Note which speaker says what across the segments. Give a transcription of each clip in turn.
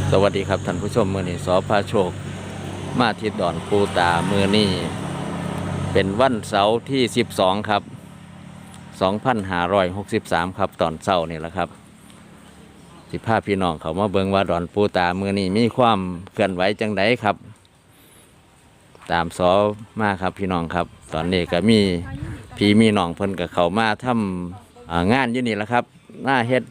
Speaker 1: สวัสดีครับท่านผู้ชมมื้อนี้สพาโชคมาที่ดอนปูตามื้อนี้เป็นวันเสาร์ที่12ครับ2563ครับตอนเช้านี่แหละครับสิพาพี่น้องเขามาเบิ่งว่าดอนปูตามื้อนี้มีความเคลื่อนไหวจังไดครับตามสอมาครับพี่น้องครับตอนนี้ก็มีพี่มีน้องเพิ่นก็เข้ามาทำงานอยู่นี่แหละครับหน้าเฮ็ด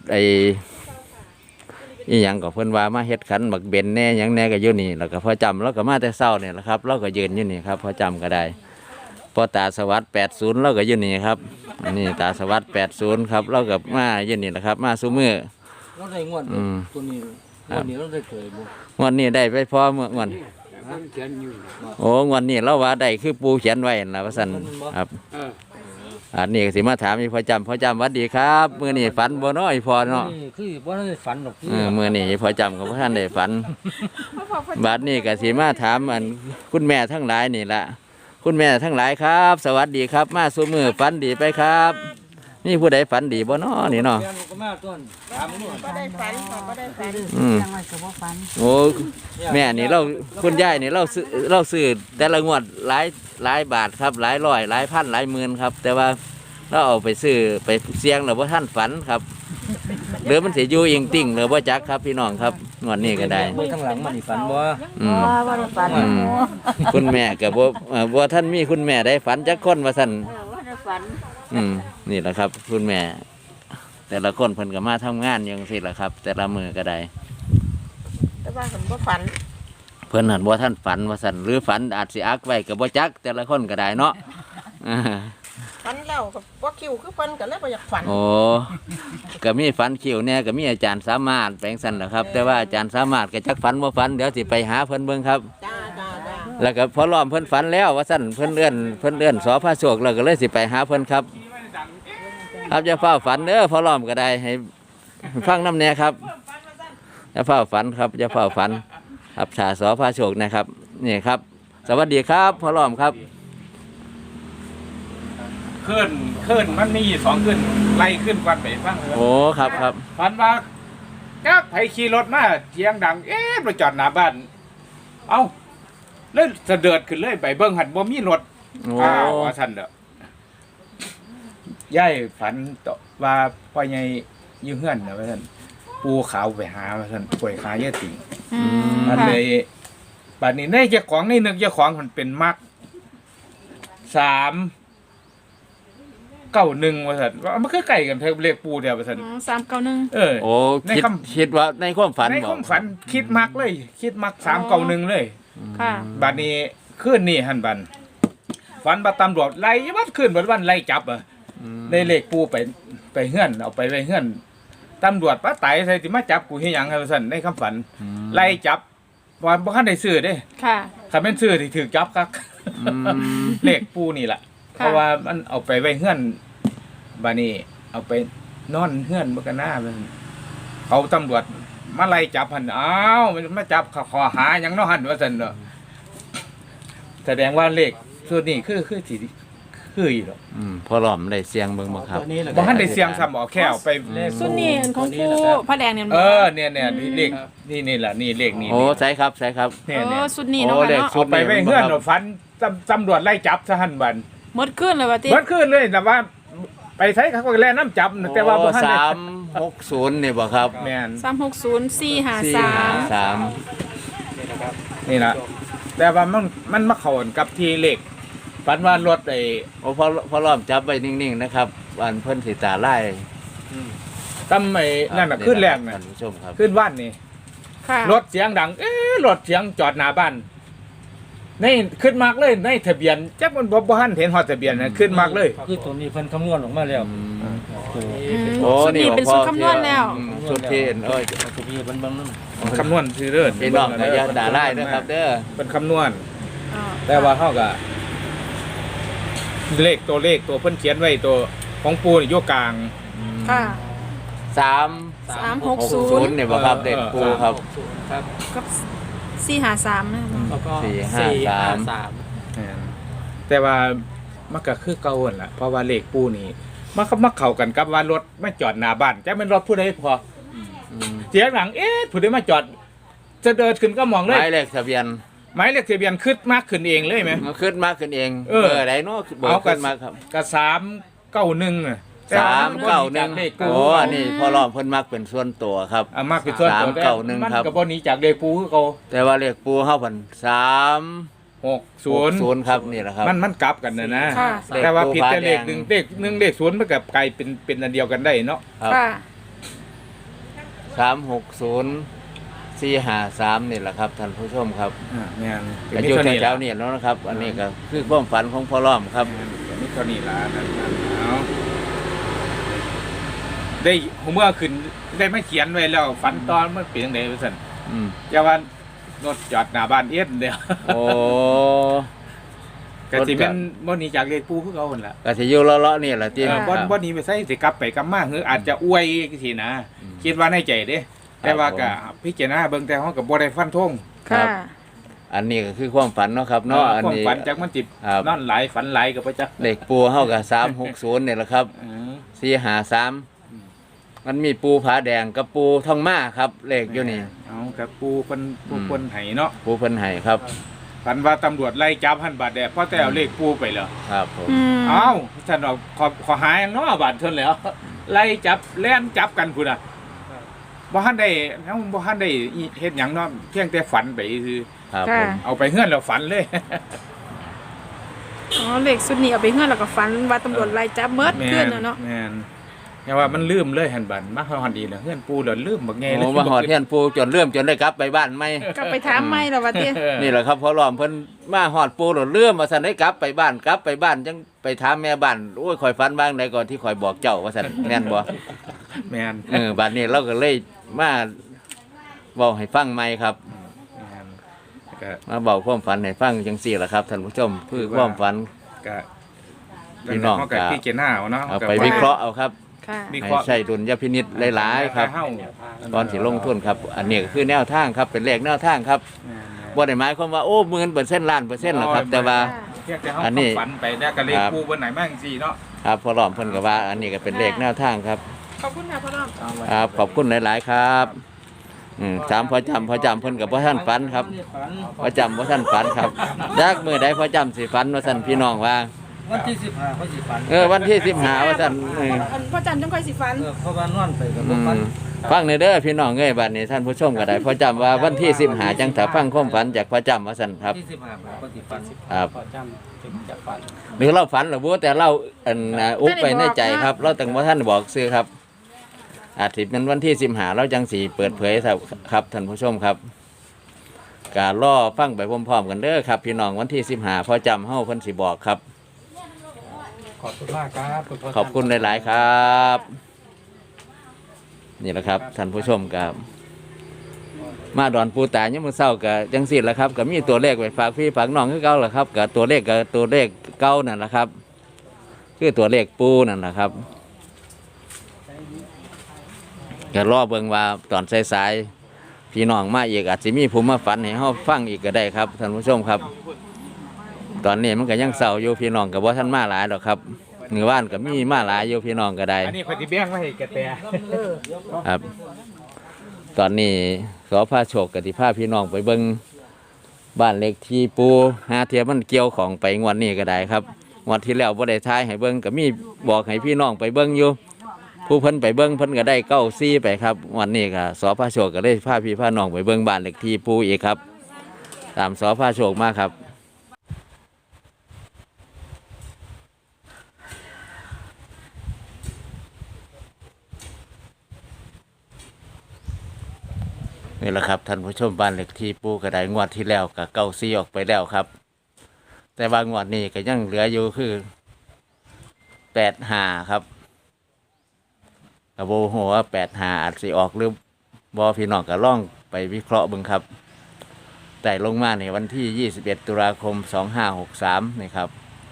Speaker 1: อีหยังก็เพิ่นว่ามาเฮ็ดขันบักเบนแน่หยังแน่ก็อยู่นี่แล้วก็พอจำแล้วก็มาแต่เช้านี่แหละครับเราก็ยืนอยู่นี่ครับพอจำก็ได้พอตาสวัสดิ์80เราก็อยู่นี่ครับอันนี้ตาสวัสดิ์80ครับเราก็มาอยู่นี่แหละครับมาซุมื้อ
Speaker 2: เราได้งวดตัวนี้งวดนี้เราได้เคยบ่
Speaker 1: งวดนี้ได้ไปพอเมื่องวดโอ้งวดนี้เราว่าได้คือปูเขียนไว้นั่นล่ะว่าซั่นครับอันนี้ก็สิมาถามอีพอจำหวัดดีครับมื้อนี้ฝันบ่น้อยพอเนาะ
Speaker 2: คือบ่ได้ฝันหรอก
Speaker 1: มื้อนี้พอจำก็บ่ทันได้ฝันบัดนี้ก็สิมาถามอันคุณแม่ทั้งหลายนี่ล่ะคุณแม่ทั้งหลายครับ สวัสดีครับมาซุมื้อฝันดีไปครับนี่ผู้ใดฝันดีบ่น้อนี่เนาะ
Speaker 3: ก็ได้ฝันก็ได้ฝัน
Speaker 1: โอ้แม่นี่เราคุณยายนี่เราซื้อแต่ละงวดหลายบาทครับหลายร้อยหลายพันหลายหมื่นครับแต่ว่าเราเอาไปซื้อไปเสี่ยงแล้วบ่ท่านฝันครับหรือมันสิอยู่อิงติ่งหรือบ่จักครับพี่น้องครับงวดนี้ก็ได้
Speaker 2: ข้างหลังมันฝันบ่
Speaker 3: ว่าได้ฝัน
Speaker 1: คุณแม่ก็บ่ท่านมีคุณแม่ได้ฝันจักคนว่าซั่น
Speaker 3: ว่าได้ฝัน
Speaker 1: นี่แหละครับคุณแม่แต่ละคนเพิ่นก็มาทำงานอย่างซี่แหละครับแต่ละมือก็ได้
Speaker 3: แต่ว่าผมก็ฝัน
Speaker 1: เพิ่นหันบ่ท่านฝันว่าซั่นหรือฝันอาจสิอักไว้ก็บ่จักแต่ละคนก็ได้เนาะ
Speaker 3: ฝันแล้วก็ว่าคิวคือฝันก็เลยบ่อยากฝัน
Speaker 1: โอ้ก็มีฝันคิวแน่ก็มีอาจารย์สามารถแปลงซั่นแหละครับแต่ว่าอาจารย์สามารถก็จักฝันบ่ฝันเดี๋ยวสิไปหาเพิ่นเบิ่งครับ
Speaker 3: จ้า
Speaker 1: แล้วก็พอล้อมเพิ่นฝันแล้วว่าซั่นเพิ่นเอื้อนสอพระโชคแล้วก็เลยสิไปหาเพิ่นครับครับอย่าเฝ้าฝันเด้อพอล้อมก็ได้ให้ฟังน้ำแน่ครับอย่าเฝ้าฝันครับอย่าเฝ้าฝันครับชาสอพระโชคนะครับนี่ครับสวัสดีครับพอล้อมครับ
Speaker 4: ขึ้นมันมี2ขึ้นไล่ขึ้นฟันไปฟังเลย
Speaker 1: โอ้ครับ
Speaker 4: ฟันว่ากักไผขี่รถมาเสียงดังมาจอดหน้าบ้านเอ้าเลยเสด็จขึ้นเลยไปเบิ่งหันบ่มีรถว่าซั่นเด้อยายฝันต่อว่าพ่อใหญ่อยู่เฮือนน่ะว่าซั่นปูขาวไปหาว่าซั่นป่วยขายายติ่งมันเลยบัดนี้ในเจ้าของในนึกเจ้าของมันเป็นมัก391ว่าซั่นว่ามันคือใกล้กันเท่าเลขปูเดียวว่าซั่น
Speaker 5: 391
Speaker 1: โอ้คิดว่าในความฝัน
Speaker 4: ในความฝันคิดมักเลยคิดมัก391เลย
Speaker 5: ค่ะ
Speaker 4: บัดนี้คืนนี้หั่นบัดฝันว่าตำรวจไล่วัดคืนวันไล่จับในเลขปูไปเฮือนเอาไปไว้เฮือนตำรวจป้าไต่ใส่สิมาจับกูเฮ็ดหยังว่าซั่นในคำฝันไล่จับว่าบ่ทันได้ซื้อเด้
Speaker 5: ค่ะ
Speaker 4: ถ้าแม่นซื้อสิถูกจับคักเลขปูนี่ล่ะเพราะว่ามันเอาไปไว้เฮือนบัดนี้เอาไปนอนเฮือนบ่กันหน้าเขาตำรวจมาไล่จับหั่นอ้าวมันมาจับขอหาหยังเนาะหั่นว่าซั่นเนาะแสดงว่าเลขส่วนนี้คือสิคืออีหรอก
Speaker 1: พอล้อมได้เสียงเบิ่งบ่ครับ
Speaker 4: บ่ทันได้เสียงซ้ำเอาแค่เอาไป
Speaker 5: สุดนี้ของผู้พระแดงเนี่ย
Speaker 4: เนี่ยเลขนี่ล่ะนี่เลขนี้
Speaker 1: โอ้ใช่ครับ
Speaker 5: เนี่ยสุดนี้เนาะ
Speaker 4: เอาไปไว้เฮือนฝันตำรวจไล่จับซะหั่นบัด
Speaker 5: หมดขึ้นเลยว่าติ
Speaker 4: หมดขึ้นเลยแต่ว่าไปใช้เขาก็แล่น้ำจับแต่ว่าบ่ทันได้
Speaker 1: 360นี่บ่ครับ
Speaker 4: แม่น
Speaker 5: 360 453
Speaker 4: นี่ล่ะแต่ว่ามันมาเข้ากับที่เลขฝันว่ารถ
Speaker 1: โอ้พอล้อมจับไว้นิ่งๆนะครับวันเพิ่นสิตาไล่
Speaker 4: ตำนั่นน่ะขึ้นแรกน่ะขึ้นบ้านนี่รถเสียงดังรถเสียงจอดหน้าบ้านนี่ขึ้นมากเลยในทะเบียนจักมันบ่ทันเห็นฮอดทะเบียนน่ะขึ้นมากเลย
Speaker 2: คือตัวนี้เพิ่นคำนวณออกมาแล้ว
Speaker 1: โอ้นี่
Speaker 5: เป็นสูตรคำนวณแล้ว
Speaker 1: สูตรที่
Speaker 2: ตัวนี้เพิ่นเบิ่งน
Speaker 4: ำคำนวณซื่อเด้อ
Speaker 1: พี่น้องก็อย่าด่าไล่นะครับเด้อ
Speaker 4: เป็นคำนวณแต่ว่าเฮาก็เลขตัวเพิ่นเขียนไว้ตัวของปูนี่อยู่กลาง
Speaker 5: ค่ะ
Speaker 1: 360นี่บ่ครับเด็กปูครับ
Speaker 5: กับ453นะ
Speaker 2: แล้วก็
Speaker 4: 453แต่ว่ามันก็คือเก่าหั่นล่ะเพราะว่าเลขปูนี่มันมาเข้ากันกับว่ารถไม่จอดหน้าบ้านจักแม่นรถผู้ใดพอเสียงหลังผู้ใดมาจอดจะเดินขึ้นก็มอง
Speaker 1: ห
Speaker 4: เลย
Speaker 1: มายเลขทะเบียน
Speaker 4: หมายเลขทะเบียนขึ้นมากขึ้นเองเลยไหม
Speaker 1: มันขึ้นมากขึ้นเอง
Speaker 4: เออ
Speaker 1: ใดเนาะเบอ
Speaker 4: เอา
Speaker 1: ร์ขึ้นมาครับ
Speaker 4: กับ391น่ะ
Speaker 1: 391
Speaker 4: เลขปู
Speaker 1: โอ้อันนี้พ่อล้อมเพิ่นมักเป็นส่วนตัวครับ
Speaker 4: มากเป็นส่วนตัว
Speaker 1: 391
Speaker 4: มัน
Speaker 1: ครับ
Speaker 4: ก็บ่หนีจากเลขปูคือเขา
Speaker 1: แต่ว่าเลขปูเฮาเพิ่น360 ครับนี่แหละครับ
Speaker 4: มันกลับกันนะ
Speaker 5: ค่ะ
Speaker 4: แต่ว่าผิดแต่
Speaker 1: เล
Speaker 4: เล
Speaker 1: ข
Speaker 4: ข
Speaker 1: ปู
Speaker 4: 1
Speaker 1: ฟ้าแดง
Speaker 4: เลข0มันกับกลายเป็นอันเดียวกันได้เนาะ
Speaker 1: ครับ
Speaker 5: ค่ะ
Speaker 1: 360 453นี่แหละครับท่านผู้ชมครับ
Speaker 4: แม่น
Speaker 1: ก็อยู่แถวๆนี่แล้วนะครับ อันนี้ก็คือความฝันของพ่อล้อมครับ
Speaker 4: มีเท่านี้ล่ะนั่นเอาได้ผมเมื่อขึ้นได้ไม่เขียนไว้แล้วฝันตอนมันเป็นจังได๋ว่าซั่น
Speaker 1: อืม
Speaker 4: อย่าว่ารถจอดหน้าบ้านเอ็ดเดียว
Speaker 1: โอ้
Speaker 4: ก็สิเป็นบ่หนีจากเลขปูคือเขาหั่นล่ะ
Speaker 1: ก็สิอยู่เลาะๆนี่แหละที่
Speaker 4: บ่หนีไปไสสิกลับไปกลับมาคืออาจจะอวยสินะ คิดว่าในใจเด้ แต่ว่าก็พิจารณาเบิ่งแต่เฮาก็บ่ได้ฟันธง
Speaker 5: ค่ะ
Speaker 1: อันนี้ก็คือความฝันเนาะครับเนาะอัน
Speaker 4: ความ
Speaker 1: นี้
Speaker 4: ฝันจักมันสิ
Speaker 1: ครับ
Speaker 4: นอนหลายฝันหลายก็บ่จัก
Speaker 1: เลขปูเฮากับ360นี่แหละครับ 453มันมีปูผาแดงกับปูทองมาครับเลขอยู่นี่
Speaker 4: เอากับปูเพิ่นให้เนาะ
Speaker 1: ปูเพิ่นให้ครับ
Speaker 4: ฝันว่าตำรวจไล่จับหันบาดแดดเพราะแต่เอาเลขปูไปแล้ว
Speaker 1: ครับผม
Speaker 5: อืม
Speaker 4: เอ้าท่านเอาขอหาอย่างเนาะบาดเพิ่นแล้ว ไล่จับแล่นจับกันพุ่นน่ะบ่ทันได้เฮาบ่ทันได้เฮ็ดหยังเนาะเพียงแต่ฝันไปคือ
Speaker 1: ครับผ
Speaker 5: ค่ะ
Speaker 1: ม
Speaker 4: เอาไปเฮือนแล้วฝันเลย
Speaker 5: อ๋อเลขสุดนี้เอาไปเฮือนแล้วก็ฝันว่าตำรวจไล่จับเมิดเพื่อนน่ะเนาะ
Speaker 4: แม่นแต่ว่ามันลืมเลยหันบัดมาฮอดดีแล้วเฮือนปูแล้วลืมบักแงเลย
Speaker 1: โอ้มาหอดเทียนปูจนเริ่มจนได้กลับไปบ้านไหม
Speaker 5: ก็ไปถามไม่แล้วว่าเตี้ย
Speaker 1: นี่แหละครับพอล้อมเพิ่นมาหอดปูหลดเรื่องมาสั่นได้กลับไปบ้านจังไปถามแม่บ้านโอ้ยข่อยฝันบ้างใดก่อนที่ข่อยบอกเจ้าว่าสั่นแม่นบ่
Speaker 4: แม่น
Speaker 1: บัดนี้เราก็เลยมาเว้าให้ฟังใหม่ครับ
Speaker 4: แม่นก็
Speaker 1: มาบอกความฝันให้ฟังจังซี่ล่ะครับท่านผู้ชมคือความฝัน
Speaker 4: ก็
Speaker 1: พี่น้อง
Speaker 4: เฮาก็พิจารณาเอาเนาะ
Speaker 1: เอาไปวิเคราะห์เอาครับ
Speaker 5: ค่ะ
Speaker 4: วิ
Speaker 1: ให้
Speaker 4: เคราะห์
Speaker 1: ใช้ดุลยพินิจหลายๆครับ
Speaker 4: เฮา
Speaker 1: ตอนสิลงทุนครับ อันนี้ก็คือแนวทางครับเป็นเลขแนวทางครับบ่ได้หมายความว่าโอ้10,000%ล้านเปอร์เซ็นต์หรอกครับ แต่ว่า
Speaker 4: เพียงแต่เฮา
Speaker 1: อันนี้
Speaker 4: ฝันไปแล้วก็เลขปูเบิ่นไหนมาจังซี่เนาะ
Speaker 1: ครับพอล้อมเพิ่นก็ว่า อันนี้ก็เป็นเลขแนวทางครับ
Speaker 5: ขอบคุณค่ะพ่อน้อง
Speaker 1: ครับขอบคุณหลาย ๆ ครับถามพอจำเพิ่นกับพ่อท่านฝันครับพอจำพ่อท่านฝันครับจากมือใดพอจำสิฝันว่าท่านพี่น้องว่า
Speaker 2: วันที่15เขาสิฝัน
Speaker 1: วันที่15ว่าท่าน
Speaker 5: อันพ่อจันจังค่อยสิฝัน
Speaker 2: เพราะว่านอนไปก็บ่ฝัน
Speaker 1: ฟังในเด้อพี่น้องเอ้ยบัดนี้ท่านผู้ชมก็ได้พอจำว่าวันที่15จังถ้าฟังความฝันจากพอจำว่าซั่นครับ
Speaker 2: ที่15เขาสิฝัน
Speaker 1: ครับ
Speaker 2: พอจำถึงจะฝัน
Speaker 1: หรือเราฝันหรือบ่แต่เราอุบไปในใจครับ เราตั้งว่าท่านบอกซื้อครับ อาทิตย์นั้นวันที่15เราจังสีเปิดเผยครับท่านผู้ชมครับการล่อฟังไปพร้อมๆกันเด้อครับ พี่น้องวันที่15พอจำเฮาเพิ่นสิบอกครับ
Speaker 2: ขอบคุณมากครับคุณพ่
Speaker 1: ขอบคุณหลาย ๆ ครับ นี่แหละครับท่านผู้ชมครับมาดอนปูตาเนี่ยามมื้อเช้าก็จังซี่แหละครับก็มีตัวเลขไว้ฝากพี่ฝากน้องคือเก่าแหละครับก็ตัวเลขเก่านั่นแหละครับ คือตัวเลขปูนั่นแหละครับก็รอเบิ่งว่าตอนสายๆพี่น้องมาอีกอาจจะมีผู้มาฝันให้เฮาฟังอีกก็ได้ครับท่านผู้ชมครับ ตอนนี้มันก็ยังเศร้าอยู่พี่น้องก็บ่ทันมาหลายดอกครับหมู่บ้านก็มีมาหลายอยู่พี่น้องก็ได้
Speaker 4: อันนี้พอดีแบ่งไว้ให้แกแต่
Speaker 1: ครับ ตอนนี้ขอพาโชคกับที่พาพี่น้องไปเบิ่งบ้านเล็กที่ปูหาเทียมันเกี่ยวของไปงวดนี้ก็ได้ครับงวดที่แล้วบ่ได้ทายให้เบิ่งก็มีบอกให้พี่น้องไปเบิ่งอยู่ผู้เพิ่นไปเบิ่งเพิ่นก็ได้94ไปครับงวดนี้ก็สอพาโชคก็เลยพาพี่พาน้องไปเบิ่งบ้านเล็กที่ปูอีกครับ ตามสอพาโชคมาครับนี่แหละครับท่านผู้ชมบ้านเล็กที่ปูกระไดงวดที่แล้วกับ94ออกไปแล้วครับ แต่ว่างวดนี้ก็ยังเหลืออยู่คือ85ครับกระโบหัว85อาจสิออกหรือบอพี่น้องก็ล่องไปวิเคราะห์เบิ่งครับแต่ลงมาในวันที่21ตุลาคม2563นี่ครับ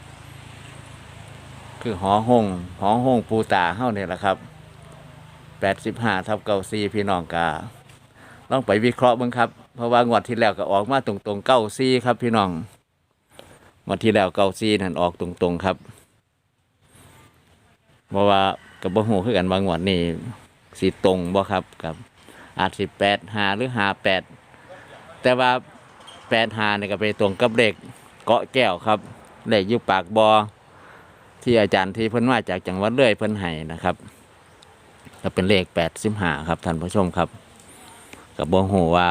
Speaker 1: คือหอห้องปูตาเฮ้าเนี่ยแหละครับ85/94พี่น้องกาลองไปวิเคราะห์เบิ่งครับเพราะว่างวดที่แล้วก็ออกมาตรงๆ94ครับพี่น้องงวดที่แล้ว94นั่นออกตรงๆครับเพราะว่ากับบ่ฮู้คือกันว่างวดนี้สิตรงบ่ครับกับอาจสิ85หรือ58 แต่ว่า85นี่ก็ไปตรงกับเลขเกาะแก้วครับเลขอยู่ปากบอที่อาจารย์ที่เพิ่นมาจากจังหวัดเลยเพิ่นให้นะครับก็เป็นเลข85ครับท่านผู้ชมครับก็บ่ฮู้ว่า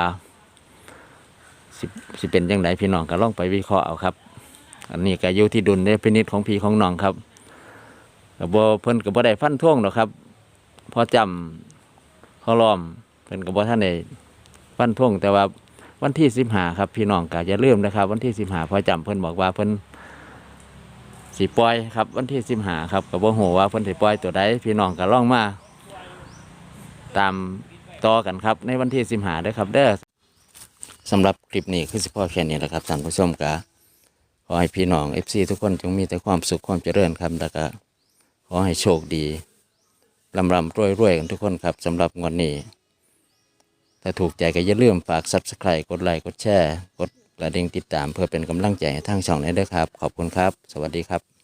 Speaker 1: สิเป็นจังไดพี่น้องก็ลองไปวิเคราะห์เอาครับอันนี้ก็อยู่ที่ดุลพินิจของพี่ของน้องครับก็บ่เพิ่นก็บ่ได้ฟันธงหรอกครับพอจำพอล้อมเพิ่นก็บ่ทันได้ฟันธงแต่ว่าวันที่15ครับพี่น้องก็อย่าลืมนะครับวันที่15พอจำเพิ่นบอกว่าเพิ่นสิปล่อยครับวันที่15ครับก็บ่ฮู้ว่าเพิ่นสิปล่อยตัวใดพี่น้องก็ลองมาตามต่อกันครับในวันที่15เด้อครับเด้อสำหรับคลิปนี้คือสิพอแค่นี้แหละครับท่านผู้ชมก็ขอให้พี่น้อง FC ทุกคนจงมีแต่ความสุขความเจริญครับแล้วก็ขอให้โชคดีร่ำรวยกันทุกคนครับสำหรับงวดนี้ถ้าถูกใจก็อย่าลืมฝาก Subscribe กดไลค์กดแชร์กดกระดิ่งติดตามเพื่อเป็นกำลังใจให้ทางช่องนี้ด้วยครับขอบคุณครับสวัสดีครับ